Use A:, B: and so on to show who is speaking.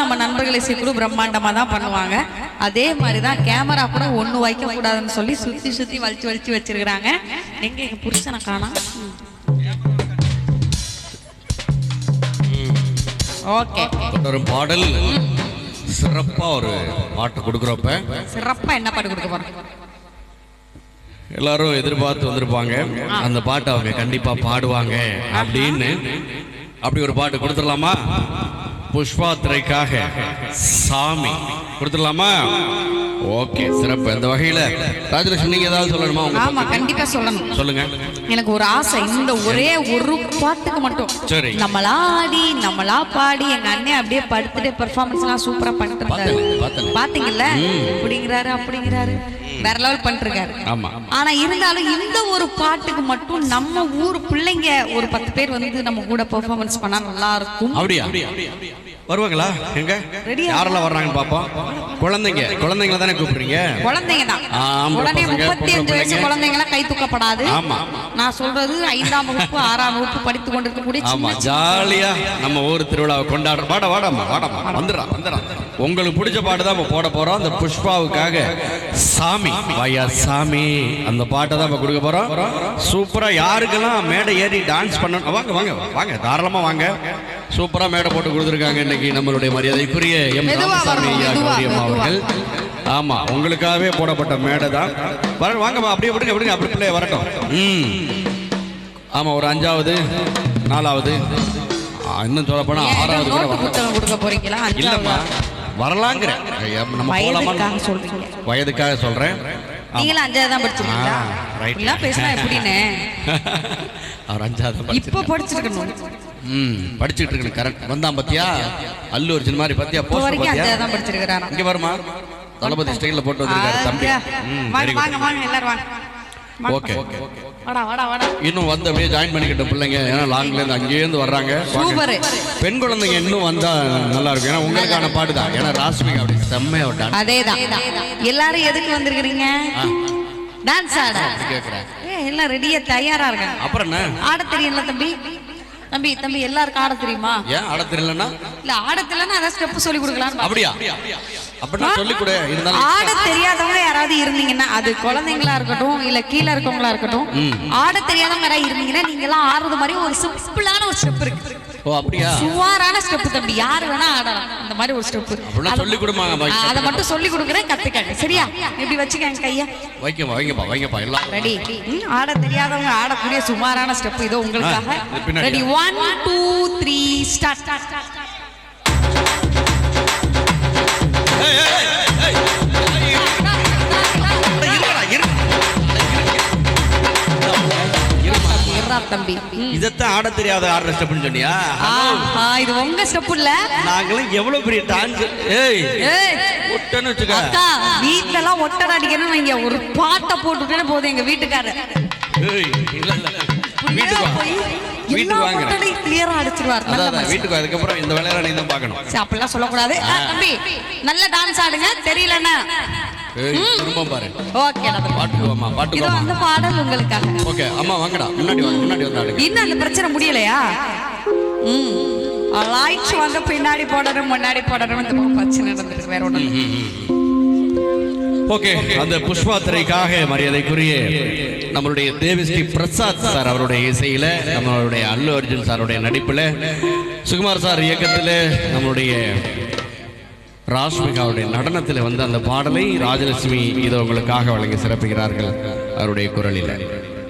A: நம்ம நண்பர்களை சேர்த்து பிரம்மாண்டமாக தான் பண்ணுவாங்க. அதே மாதிரி தான் கேமரா கூட ஒன்று வைக்கக்கூடாதுன்னு சொல்லி சுற்றி சுற்றி வலிச்சு வச்சிருக்கிறாங்க. எங்கே எங்கள் புருஷனை காணோம். ஓகே,
B: ஒரு பாடல் சிறப்பா ஒரு பாட்டு கொடுக்குறப்ப
A: சிறப்பா என்ன பாட்டு கொடுக்க போறோம்?
B: எல்லாரும் எதிர்பார்த்து வந்திருப்பாங்க. அந்த பாட்டை அவங்க கண்டிப்பா பாடுவாங்க அப்படின்னு அப்படி ஒரு பாட்டு கொடுத்துடலாமா? புஷ்பா திரைக்காக சாமி கொடுத்துடலாமா? ஓகே, சிறப்பு. இந்த வகையில ராஜலட்சுமி நீங்க ஏதாவது சொல்லணுமா?
A: ஆமா, கண்டிப்பா சொல்லணும்.
B: சொல்லுங்க.
A: எனக்கு ஒரு ஆசை, இந்த ஒரே ஒரு பாட்டுக்கு மட்டும்
B: சரி
A: நம்மளா பாடி எங்க அண்ணன் அப்படியே படுத்துட்டு பெர்ஃபார்மன்ஸ் எல்லாம் சூப்பரா பண்ணிட்டு இருக்காரு. பாத்தீங்கல்ல, அப்படிங்கிறாரு வேற லெவல் பண்ணிட்டு இருக்காரு. ஆனா இருந்தாலும் இந்த ஒரு பாட்டுக்கு மட்டும் நம்ம ஊர் பிள்ளைங்க ஒரு 10 பேர் வந்து நம்ம கூட பெர்ஃபார்மன்ஸ் பண்ணா நல்லா இருக்கும்.
B: அப்படியா? வருவாங்களா? எங்க யாரெல்லாம் வர்றாங்கன்னு பாப்போம். குழந்தைங்கள தானே கூப்பிடுறீங்க?
A: குழந்தைங்க தான். உடனே 35 வயசு குழந்தைங்களாம் கை தூக்கப்படாது. நான் சொல்றது 5ஆம் வகுப்பு 6ஆம் வகுப்பு படித்து கொண்டிருக்கக்கூடிய.
B: ஆமா, ஜாலியா நம்ம ஊர் திருவிழாவை கொண்டாடுற. வாடாமா வந்துடுறா. உங்களுக்கு பிடிச்ச பாட்டு தான் போட போறோம். அந்த புஷ்பாவுக்காக சாமி வாயா சாமி அந்த பாட்டை தான் கொடுக்க போறோம். சூப்பரா யாருக்கெல்லாம் மேடை ஏறி டான்ஸ் பண்ணணும் வாங்க தாராளமா வாங்க. சூப்பரா மேடை போட்டு கொடுத்துருக்காங்க இன்னைக்கு நம்மளுடைய மரியாதைக்குரிய எம் ராமசாமி அவர்கள். ஆமா, உங்களுக்காகவே போடப்பட்ட மேடை தான். வாங்கம்மா, அப்படியே விடுங்க அப்படி பிள்ளைய வரட்டும். ஆமா, ஒரு 5வது 4வது இன்னும் சொல்ல போனா 6வது
A: கொடுக்க போறீங்களா?
B: இல்லம்மா, வரலாங்கிற நம்ம வயதுக்காக சொல்றேன்.
A: நீங்களும் 5வது தான் படிச்சிருக்கீங்களா? ரைட்ல பேசினா எப்படின்னு
B: அவர் 5வது
A: இப்ப படிச்சிருக்கணும்.
B: படிச்சுட்டு இருக்கணும். கரெக்ட். வந்தான் பாத்தியா, அல்லு ஒரு சின்ன மாதிரி பாத்தியா, போஸ்டர் பாத்தியா?
A: 5வது தான் படிச்சிருக்காரா?
B: இங்க வருமா, தளபதி ஸ்டைல்ல போட்டு வந்திருக்காரு தம்பி.
A: வாங்க எல்லாரும் வாங்க.
B: ஓகே,
A: வாடா.
B: இன்னும் வந்து அப்படியே ஜாயின் பண்ணிக்கிட்ட பிள்ளைங்க, ஏன்னா லாங்ல இருந்து அங்கேயே இருந்து வர்றாங்க. சூப்பர். பெண் குழந்தைங்க இன்னும் வந்தா நல்லா இருக்கும். ஏன்னா உங்களுக்கான பாட்டு தான். ஏன்னா ராஸ்மிகா அப்படி செம்மையா டான்ஸ்.
A: அதேதான். எல்லாரும் எதுக்கு வந்திருக்கீங்க? டான்ஸ் ஆட கேக்குறேன். எல்லாம் ரெடியா தயாரா இருக்காங்க.
B: அப்புறம் என்ன
A: ஆட தெரியல தம்பி எல்லாருக்கும் ஆட தெரியுமா?
B: ஏன் ஆட தெரியலன்னா?
A: இல்ல, ஆட தெரியலன்னா அத ஸ்டெப் சொல்லி கொடுக்கலாம்.
B: அப்படியா? அப்படினா சொல்லி கொடு. இருந்தாலும்
A: ஆட தெரியாதவங்க யாராவது இருந்தீங்கன்னா, அது குழந்தைங்களா இருக்கட்டும் இல்ல கீழ இருக்கவங்களா இருக்கட்டும், ஆட தெரியாதவங்க யாராவது இருந்தீங்கன்னா நீங்க எல்லாம் ஆடுறது மாதிரி ஒரு சிம்பிளான ஒரு ஸ்டெப் இருக்கு.
B: ஓ, அப்படியா?
A: சுவாரான ஸ்டெப் தம்பி, யாரு வேணா ஆடலாம். இந்த மாதிரி ஒரு ஸ்டெப்
B: அப்படினா சொல்லி கொடுமாங்க.
A: அத மட்டும் சொல்லி கொடுக்கறேன், கத்துக்கங்க. சரியா? இப்படி வச்சுக்கங்க கைய.
B: வைங்கப்பா எல்லாம்
A: ரெடி. ஆட தெரியாதவங்க ஆடக்கூடிய சுமாரான ஸ்டெப் இதோ உங்களுக்காக. Ready 1 2 3 start. தம்பி,
B: இதத்தான் ஆட தெரியாத ஆடுற ஸ்டெப்னு சொன்னியா?
A: இது உங்க ஸ்டெப் இல்ல.
B: நாங்களும் எவ்வளவு பெரிய டான்ஸ். ஒட்டன்னு வச்சுக்க.
A: அக்கா, வீட்ல எல்லாம் ஒட்டட அடிக்கணும். நீங்க ஒரு பாட்டை போட்டுட்டே போதும். எங்க வீட்டுக்காரர் வீட்டுக்கு வாங்க, கிளியரா அடிச்சிருவார். வீட்டுக்கு அதுக்கப்புறம் இந்த வேலையில நீ தான் பார்க்கணும். அப்படிலாம் சொல்லக்கூடாது. தம்பி, நல்ல டான்ஸ் ஆடுங்க. தெரியலன்னா
B: திரும்ப பாரு.
A: ஓகே,
B: பாட்டு
A: இது அந்த பாடல் உங்களுக்காக.
B: ஓகே, அம்மா வாங்கடா, முன்னாடி வந்து ஆடுங்க.
A: இன்னும் அந்த பிரச்சனை முடியலையா? லைட்ஸ் வந்து பின்னாடி போடணும் முன்னாடி போடணும் இந்த பிரச்சனை நடந்துருக்கு. வேற ஒண்ணும் இல்ல.
B: ஓகே, அந்த புஷ்பா திரைக்காக மரியாதைக்குரிய நம்மளுடைய தேவிஸ்ரீ பிரசாத் சார் அவருடைய இசையில, நம்மளுடைய அல்லு அர்ஜுன் சாருடைய நடிப்புல, சுகுமார் சார் இயக்கத்தில், நம்மளுடைய ராஷ்மிகாவுடைய நடனத்தில் வந்து அந்த பாடலை ராஜலட்சுமி இதோ உங்களுக்காக வழங்கி சிறப்புகிறார்கள் அவருடைய குரலில்.